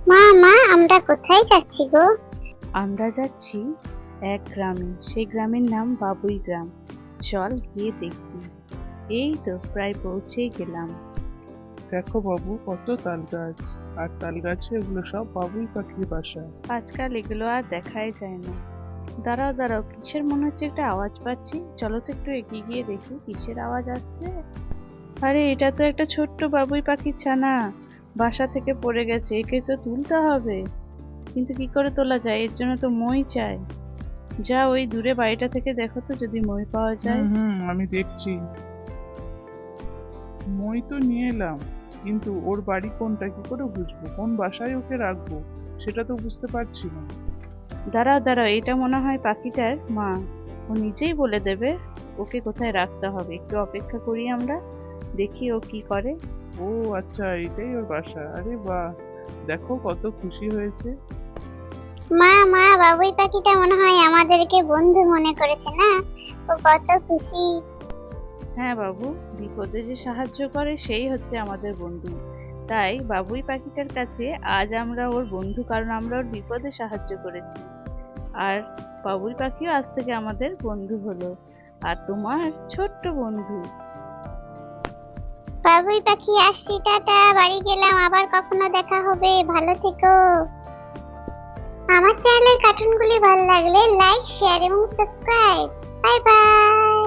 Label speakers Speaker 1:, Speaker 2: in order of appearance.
Speaker 1: মা মা আমরা কোথায় যাচ্ছি গো?
Speaker 2: আমরা যাচ্ছি এক গ্রামে। সেই গ্রামের নাম বাবুই গ্রাম। চল গিয়ে দেখি। এই তো প্রায় পৌঁছেই গেলাম।
Speaker 3: দেখো বাবু, কত তাল গাছ, আর তাল গাছে এগুলো সব বাবুই পাখির বাসা।
Speaker 2: আজকাল এগুলো আর দেখাই যায় না। দাঁড়াও দাঁড়াও, কিসের মনে হচ্ছে একটা আওয়াজ পাচ্ছি। চলো তো একটু এগিয়ে গিয়ে দেখি কিসের আওয়াজ আসছে। আরে এটা তো একটা ছোট্ট বাবুই পাখির ছানা, বাসা থেকে পড়ে গেছে। একে তো তুলতে হবে, কিন্তু কি করে তোলা যায়? এর জন্য তো মই চাই। যা ওই দূরে বাড়িটা থেকে দেখো তো যদি মই পাওয়া যায়।
Speaker 3: আমি দেখছি। মই তো নিয়ে এলাম, কিন্তু ওর বাড়ি কোনটা কি করে বুঝবো? কোন বাসায় ওকে রাখবো সেটা তো বুঝতে পারছি না।
Speaker 2: দাঁড়াও দাঁড়াও, এটা মনে হয় পাখিটার মা। ও নিজেই বলে দেবে ওকে কোথায় রাখতে হবে। একটু অপেক্ষা করি আমরা, দেখি ও কি করে।
Speaker 3: ও আচ্ছা, এটাই ওর বাসা। আরে বাহ, দেখো কত খুশি হয়েছে।
Speaker 1: মা মা বাবুই পাখিটা মনে হয় আমাদেরকে বন্ধু মনে করেছে না? ও কত খুশি।
Speaker 2: হ্যাঁ বাবু, বিপদে যে সাহায্য করে সেই হচ্ছে আমাদের বন্ধু। তাই বাবুই পাখিটার কাছে আজ আমরা ওর বন্ধু, কারণ আমরা ওর বিপদে সাহায্য করেছি। আর বাবুই পাখিও আজ থেকে আমাদের বন্ধু হলো, আর তোমার ছোট্ট বন্ধু।
Speaker 1: বাবুই পাখি আসছি, টাটা, বাড়ি গেলাম, আবার কখনো দেখা হবে, ভালো থেকো। আমার চ্যানেলের কার্টুনগুলি ভালো লাগলে লাইক, শেয়ার এবং সাবস্ক্রাইব। Bye by.